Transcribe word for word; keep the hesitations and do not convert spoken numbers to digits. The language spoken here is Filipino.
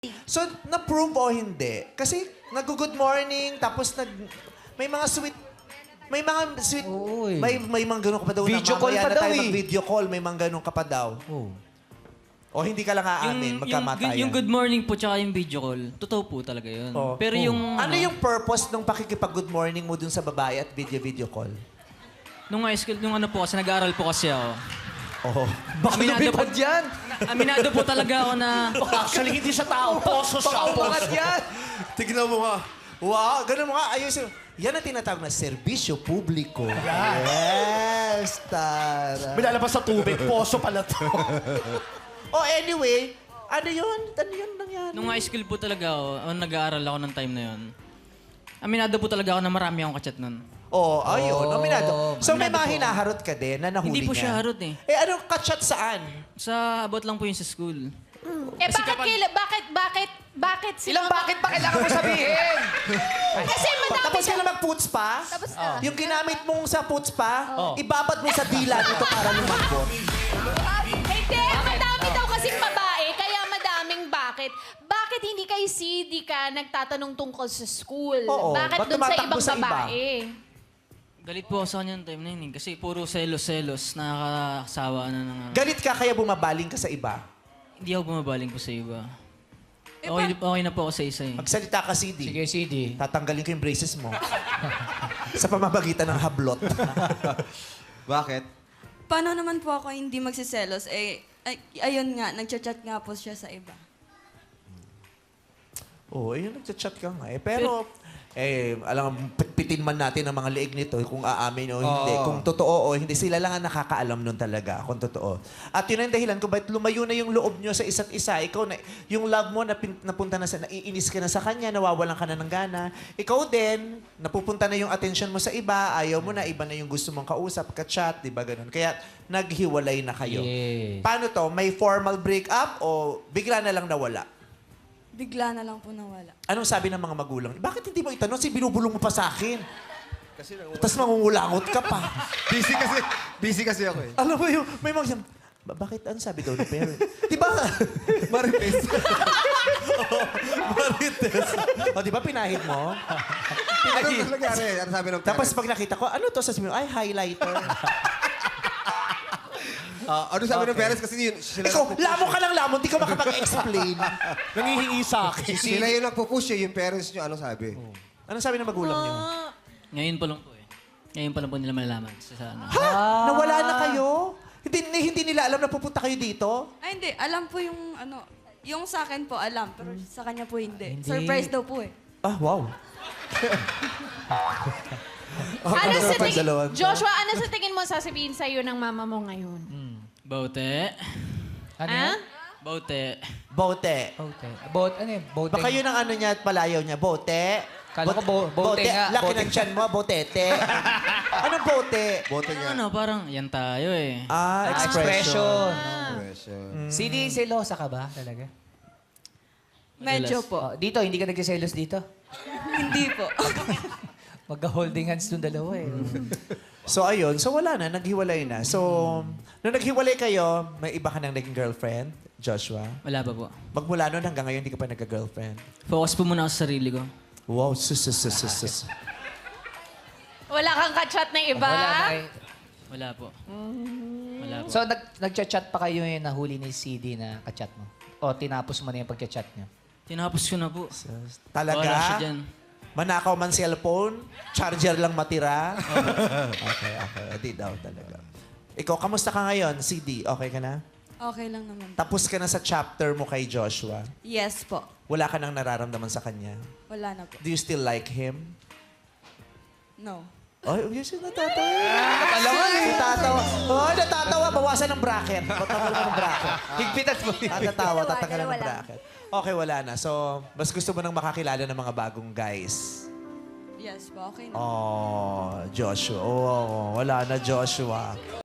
So, na-prove o hindi? Kasi nag-good morning, tapos nag... May mga sweet... May mga sweet... Oo, eh. May, may mga ganun ka pa daw Video na call mamaya pa na daw tayo eh. mag-video call, may mga ganun ka pa daw. Oh. O hindi ka lang aamin, magkamatayan. yung, yung good morning po tsaka yung video call, totoo po talaga yun. Oh. Pero Oh. yung... Ano yung purpose ng pakikipag-good morning mo dun sa babae at video-video call? Nung high school, nung ano po kasi, nag-aaral po kasi ako. Oo. Baka Aminado lumipad po- yan. Aminado po talaga ako na... Actually, hindi sa tao. Poso Baka siya. umangat yan. Tignan mo nga. Wow, ganun mo nga. Ayusin. Yan ang tinatawag na serbisyo publiko. Yes, tara. May lalabas sa tubig. Poso pala to. Oh, anyway, ano yun? Ano yun nangyari? Nung high school po talaga ako, oh, nag-aaral ako ng time na yun. Aminado po talaga ako na marami akong kachat nun. Oh, ayun. Oh, Nominado. So, may aminado mga po. hinaharot ka din na nahuli Hindi po niya. siya harot eh. Eh, anong kachat saan? Sa abot lang po yung sa school. Eh, bakit, kaila, bakit, bakit, bakit si Ilang Mama- bakit pa kailangan mo sabihin? Kasi madami Tapos ka siya. na mag-puts pa? Tapos na. Yung ginamit mong sa puts pa, ibabad mo sa dila nito para lumambot. Hindi, madami daw kasing babae, kaya madaming bakit. Bakit hindi kay C D ka nagtatanong tungkol sa school? Oo, Bakit ba't dun sa tumatakbo ibang sa iba? babae? Galit po ako sa kanya ng time na yun eh. Kasi puro selos-selos, nakakasawa na na nga. Galit ka kaya bumabaling ka sa iba. Hindi ako bumabaling po sa iba. Okay, okay na po ako sa isa eh. Magsalita ka, C D. Sige, C D. Tatanggalin ko yung braces mo. sa pamamagitan ng hablot. Bakit? Paano naman po ako hindi magsiselos? Eh, ay, ayun nga, nagchat-chat nga po siya sa iba. Oo, oh, ayun, nagchat-chat ka nga eh. Pero, eh, alam, pitpitin man natin ang mga leeg nito kung aamin o hindi. Oo. Kung totoo o hindi, sila lang ang nakakaalam nun talaga kung totoo. At yun ang dahilan kung bakit lumayo na yung loob nyo sa isa't isa. Ikaw, na, yung love mo, napin, napunta na sa, naiinis ka na sa kanya, nawawalan ka na ng gana. Ikaw din, napupunta na yung attention mo sa iba, ayaw mo na, iba na yung gusto mong kausap, ka-chat, di ba ganun? Kaya, naghiwalay na kayo. Yes. Paano to? May formal breakup o bigla na lang nawala? Bigla na lang po nawala. Anong sabi ng mga magulang? Bakit hindi mo itanong? Si binubulong mo pa sa akin. Kasi Tapos mangungulangot ka pa. Busy kasi, busy kasi ako eh. Alam mo yung, may mga siyang, "Ba- bakit? Ano sabi daw ng parent? Di ba? Marites. Marites. O, di ba pinahid mo? ano nangyari? Ano sabi ng Tapos parents? pag nakita ko, ano to? Sabi mo, ay, highlighter. Ah, ano sabi ng parents? Kasi yun, sila, Ikaw, lamon ka lang lamon, di ka makapag-explain. Nangihingi sa akin. sila yung nagpupush eh. Yung parents nyo, ano sabi? Anong sabi ng magulang niyo? Ngayon pa lang po eh. Ngayon pa lang po nila malalaman. Sa, sa ano. Ha? Nawala na kayo? Hindi, hindi nila alam na pupunta kayo dito? Ay, hindi. Alam po yung, ano, yung sa akin po, alam. Pero sa kanya po hindi. Hindi. Surprise daw po eh. Ah, wow. Ano sa tingin, Pagdalawan to. Joshua, ano sa tingin mo sasabihin sa'yo ng mama mo ngayon? Baute. Ano Ha? yan? Baute. Bote. Bote. Bote, ano yun? Bote. Baka yun ang ano niya at palayaw niya. Bote. Kala ko bo- bote nga, Laki bote. ng tiyan mo, botete. Anong bote? Bote nga. Ano, parang yan tayo eh. Ah, Ah, expression. expression. Expression. C D, selosa ka ba talaga? Medyo po. Oh, dito, hindi ka nagsiselos dito? Hindi po. Magka-holding hands nung dalawa eh. So, ayun. So, wala na. Naghiwalay na. So, nung naghiwalay kayo, may iba ka nang naging girlfriend, Joshua? Wala pa po. Magmula nun hanggang ngayon, hindi ka pa nagka-girlfriend. Focus po muna ako sa sarili ko. Wow, sus, sus, sus, sus, sus. Wala kang kachat na iba? Wala na eh. Wala po. Wala po. So, nag nagchat-chat pa kayo yung nahuli ni C D na kachat mo? O tinapos mo na yung pagchat niyo? Tinapos ko na po. Sus. Wala siya Talaga? dyan. Manakaw man cellphone? Charger lang matira? okay, okay. Di daw talaga. Ikaw, kamusta ka ngayon, C D? Okay ka na? Okay lang naman. Tapos ka na sa chapter mo kay Joshua. Yes po. Wala ka nang nararamdaman sa kanya. Wala na po. Do you still like him? No. Ay, oh, yes, natatawa. Alam mo, natatawa. Oh, natatawa. Bawasan ng bracket. Bawasan ng bracket. Higpitan mo yun. Tatatawa, tatanggalan ng bracket. Okay, wala na. So, mas gusto mo nang makakilala ng mga bagong guys. Yes po, okay na. Oh, Joshua. Oh, wala na, Joshua.